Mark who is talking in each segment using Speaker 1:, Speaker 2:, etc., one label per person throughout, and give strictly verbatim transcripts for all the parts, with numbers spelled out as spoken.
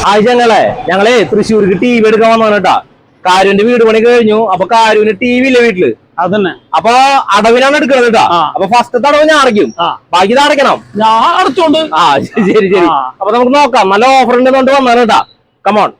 Speaker 1: ആഴ്ചങ്ങളെ ഞങ്ങളെ തൃശ്ശൂർക്ക് T V എടുക്കാൻ വന്നു കേട്ടാ. കാരുവിന്റെ വീട് പണി കഴിഞ്ഞു. അപ്പൊ കാരുവിന് ടി വി ഇല്ല വീട്ടില്. അതന്നെ. അപ്പൊ അടവിനാണ് എടുക്കണത് കേട്ടാ. അപ്പൊ ഫസ്റ്റ് അടവ് ഞാൻ അടയ്ക്കും, ബാക്കി ഇത് അടയ്ക്കണം. ഞാൻ അടച്ചോണ്ട്. ആ ശരി ശരി. അപ്പൊ നമുക്ക് നോക്കാം. നല്ല ഓഫർ ഉണ്ടെന്നുകൊണ്ട് വന്നാണ് കേട്ടാ. കമോൺ.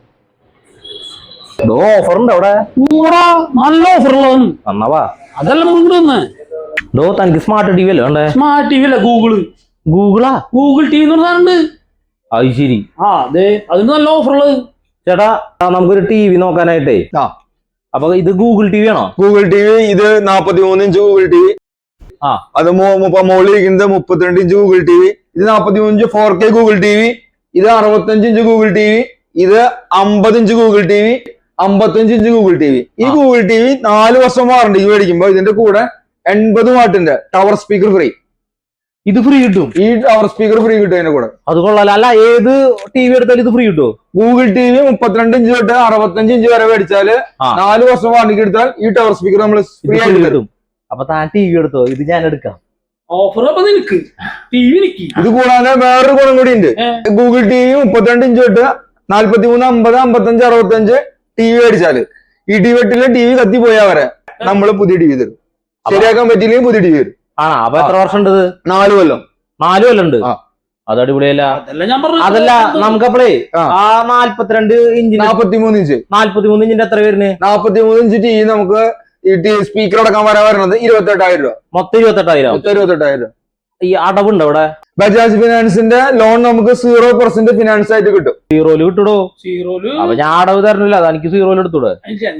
Speaker 1: ഓഫർ ഉണ്ട് അവിടെ. നല്ല ഓഫർ ഉള്ളതാണ്. വന്നവാ അതെല്ലാം. ഡോ തനിക്ക് സ്മാർട്ട് ടി വി അല്ലേ വേണ്ടേ? സ്മാർട്ട് ടി വി അല്ല, ഗൂഗിള്. ഗൂഗിളാ? ഗൂഗിൾ ടി വി എന്ന് പറഞ്ഞാലുണ്ട്. അത് ശരി. ആ അതെ, അതിന് നല്ല ഓഫർ ഉള്ളത്. ചേട്ടാ നമുക്കൊരു ടി വി നോക്കാനായിട്ടേ. ആ അപ്പൊ ഇത് ഗൂഗിൾ ടി വി ആണോ? Google T V. ഇത് നാപ്പത്തി മൂന്ന് ഇഞ്ച് ഗൂഗിൾ ടി വി. ആ അത് മുകളിൽ ഇരിക്കുന്നത് മുപ്പത്തിരണ്ട് ഇഞ്ച് ഗൂഗിൾ ടി വി. ഇത് നാപ്പത്തി മൂന്ന് inch four K Google T V. ഇത് അറുപത്തഞ്ച് ഇഞ്ച് ഗൂഗിൾ ടി വി. ഇത് അമ്പത് ഇഞ്ച് ഗൂഗിൾ ടി വി. അമ്പത്തഞ്ച് ഇഞ്ച് ഗൂഗിൾ ടി വി. ഈ ഗൂഗിൾ ടി വി നാല് വർഷം വാറണ്ടിക്ക് മേടിക്കുമ്പോ ഇതിന്റെ കൂടെ എൺപത് വാട്ടിന്റെ ടവർ സ്പീക്കർ ഫ്രീ. ഇത് ഫ്രീ കിട്ടും. ഈ ടവർ സ്പീക്കർ ഫ്രീ കിട്ടും അതിന്റെ കൂടെ. അത് കൊള്ളാലോ. അല്ല ഏത് ടി വി എടുത്താലും ഇത് ഫ്രീ കിട്ടുമോ? ഗൂഗിൾ ടി വി മുപ്പത്തിരണ്ട് ഇഞ്ച് തൊട്ട് അറുപത്തഞ്ച് ഇഞ്ച് വരെ മേടിച്ചാല് നാല് വർഷം വാറണ്ടിക്ക് എടുത്താൽ ഈ ടവർ സ്പീക്കർ നമ്മൾ ഫ്രീ ആയിട്ട് കിട്ടും. അപ്പൊ താൻ ടി വി എടുത്തോ, ഇത് ഞാൻ എടുക്കാം. ഓഫർ ഇത് കൂടാതെ വേറൊരു ഗുണം കൂടി ഉണ്ട്. ഗൂഗിൾ ടി വി മുപ്പത്തിരണ്ട് ഇഞ്ച് തൊട്ട് നാല്പത്തി മൂന്ന് അമ്പത് അമ്പത്തഞ്ച് അറുപത്തഞ്ച് ടി വി മേടിച്ചാല് ഈ ടി വെട്ടിലെ ടി വി കത്തി പോയാ വരെ നമ്മള് പുതിയ ടി വി തരും. ശരിയാക്കാൻ പറ്റിയില്ലെങ്കിൽ പുതിയ ടി വി വരും. ആ അപ്പൊ എത്ര വർഷം ഉണ്ട്? നാല് കൊല്ലം. നാല് കൊല്ലം ഉണ്ട്. അത് അടിപൊളിയല്ല. അതല്ല നമുക്കപ്പോഴേ ആ നാല്പത്തിരണ്ട് ഇഞ്ച് നാപ്പത്തി മൂന്ന് ഇഞ്ച് നാല്പത്തി മൂന്ന് ഇഞ്ചിന്റെ എത്ര വരുന്നത്? നാപ്പത്തി മൂന്ന് ഇഞ്ച് ടി വി നമുക്ക് ഈ ടി സ്പീക്കർ അടക്കാൻ വരാൻ വരുന്നത് ഇരുപത്തെട്ടായിരം രൂപ. മൊത്തം ഇരുപത്തെട്ടായിരം. മൊത്തം ഇരുപത്തെട്ടായിരം രൂപ. ഈ അടവുണ്ട് അവിടെ? ബജാജ് ഫിനാൻസിന്റെ ലോൺ നമുക്ക് സീറോ പെർസെന്റ് ഫിനാൻസ് ആയിട്ട് കിട്ടും. സീറോയില് കിട്ടൂടോ? സീറോയില്. അപ്പൊ ഞാൻ അടവ് തരണില്ല, അത് എനിക്ക് സീറോയില് എടുത്തൂടെ?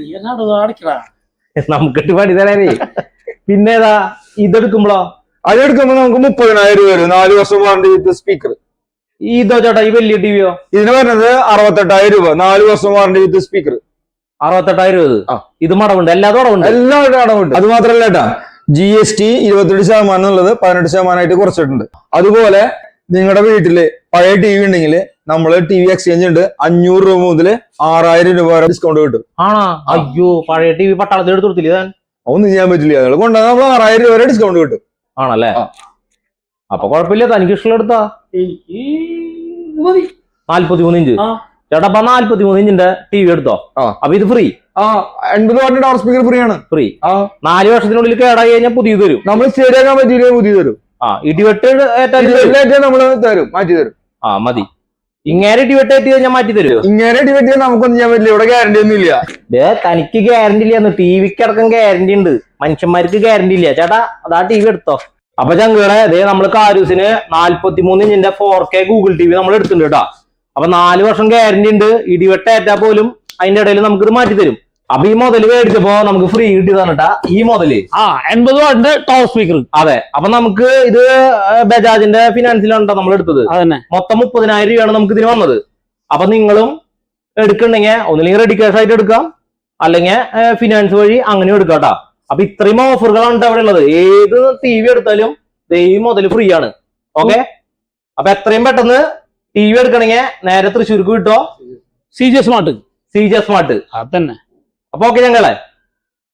Speaker 1: നമുക്കിട്ട് പണി തരാനേ. പിന്നെ ഏതാ ഇതെടുക്കുമ്പോഴോ? അതെടുക്കുമ്പോ നമുക്ക് മുപ്പതിനായിരം രൂപ വരും. നാല് വർഷം വാറണ്ടി വിത്ത് സ്പീക്കർ. ഇതോ ചേട്ടാ ഈ വലിയ ടിവിയോ? ഇതിന് വരുന്നത് അറുപത്തെട്ടായിരം രൂപ. നാല് വർഷം വാറണ്ടി വിത്ത് സ്പീക്കർ. അറുപത്തെട്ടായിരം രൂപ. ഇത് മടവുണ്ട്? എല്ലാതും അടവുണ്ട്? എല്ലാവരും അടവുണ്ട്. അത് മാത്രല്ല ചേട്ടാ, ജി എസ് ടി ഇരുപത്തെട്ട് ശതമാനം എന്നുള്ളത് പതിനെട്ട് ശതമാനമായിട്ട് കുറച്ചിട്ടുണ്ട്. അതുപോലെ നിങ്ങളുടെ വീട്ടില് പഴയ ടി വി ഉണ്ടെങ്കിൽ നമ്മള് ടി വി എക്സ്ചേഞ്ച് ഉണ്ട്. അഞ്ഞൂറ് രൂപ മുതൽ ആറായിരം രൂപ വരെ ഡിസ്കൗണ്ട് കിട്ടും. ആണോ? അയ്യോ, പഴയ ടി വി പട്ടാളത്തിൽ എടുത്ത് കൊടുത്തില്ല. ഒന്നും ചെയ്യാൻ പറ്റില്ല. നിങ്ങൾ കൊണ്ടുവന്നാൽ നമ്മൾ ആറായിരം രൂപ വരെ ഡിസ്കൗണ്ട് കിട്ടും. ആണല്ലേ? അപ്പൊ കുഴപ്പമില്ല, തനിക്ക് ഇഷ്ടമുള്ള എടുത്താ. നാല്പത്തി മൂന്ന് ഇഞ്ച് ചേട്ടാ. അപ്പൊ നാല്പത്തി മൂന്ന് ഇഞ്ചിന്റെ ടി വി എടുത്തോ. അപ്പൊ ഇത് ഫ്രീ. ആ എൺപത് വാട്ടിന്റെ ടവർ സ്പീക്കർ ഫ്രീ ആണ്. ഫ്രീ. ആ നാല് വർഷത്തിനുള്ളിൽ കേടായി കഴിഞ്ഞാൽ പുതിയ തരും. നമ്മൾ ശരിയാക്കാൻ പറ്റിയില്ലേ പുതിയ തരും. ആ ഇടിവെട്ട് നമ്മള് തരും, മാറ്റി തരും. ആ മതി. ഇങ്ങനെ ഇടിവെട്ട് ഏറ്റി കഴിഞ്ഞാൽ മാറ്റി തരുമോ? ഇങ്ങനെ ഇടിവെട്ടിയാൽ നമുക്കൊന്നും ചെയ്യാൻ പറ്റില്ല. ഇവിടെ ഗ്യാരണ്ടി ഒന്നും ഇല്ല. തനിക്ക് ഗ്യാരണ്ടി ഇല്ല. ടിവിക്ക് അടക്കം ഗ്യാരണ്ടി ഉണ്ട്, മനുഷ്യന്മാർക്ക് ഗ്യാരണ്ടി ഇല്ല. ചേട്ടാ അതാ ടി വി എടുത്തോ. അപ്പൊ ചങ്കുകളെ അതേ നമ്മള് കാരൂസിന് നാല്പത്തി മൂന്ന് ഇഞ്ചിന്റെ four K Google T V നമ്മൾ എടുത്തിട്ടുണ്ട് കേട്ടോ. അപ്പൊ നാല് വർഷം ഗ്യാരണ്ടി ഉണ്ട്. ഇടിവെട്ട് ഏറ്റാ പോലും അതിന്റെ ഇടയിൽ നമുക്ക് ഇത് മാറ്റി തരും. അപ്പൊ ഈ മുതല് മേടിച്ചപ്പോ നമുക്ക് ഫ്രീ കിട്ടിയതാണ് കേട്ടാ ഈ മുതല്. ആ എൺപത് വാട്ടിന്റെ ടവർ സ്പീക്കർ. അതെ. അപ്പൊ നമുക്ക് ഇത് ബജാജിന്റെ ഫിനാൻസിലാണ് നമ്മൾ എടുത്തത്. അതന്നെ. മൊത്തം മുപ്പതിനായിരം രൂപയാണ് നമുക്ക് ഇതിന് വന്നത്. അപ്പൊ നിങ്ങളും എടുക്കണ്ടെങ്കിൽ ഒന്നില്ലെങ്കിൽ റെഡി ക്യാഷ് ആയിട്ട് എടുക്കാം, അല്ലെങ്കിൽ ഫിനാൻസ് വഴി അങ്ങനെ എടുക്കാം കേട്ടോ. അപ്പൊ ഇത്രയും ഓഫറുകളാണ് അവിടെ ഉള്ളത്. ഏത് ടി വി എടുത്താലും ഈ മുതല് ഫ്രീ ആണ്. ഓക്കെ. അപ്പൊ എത്രയും പെട്ടെന്ന് ടി വി എടുക്കണമെങ്കിൽ നേരെ തൃശ്ശൂർക്ക് കിട്ടോ. C J smart. C J smart. അതന്നെ. അപ്പൊ ഓക്കെ ഞങ്ങളെ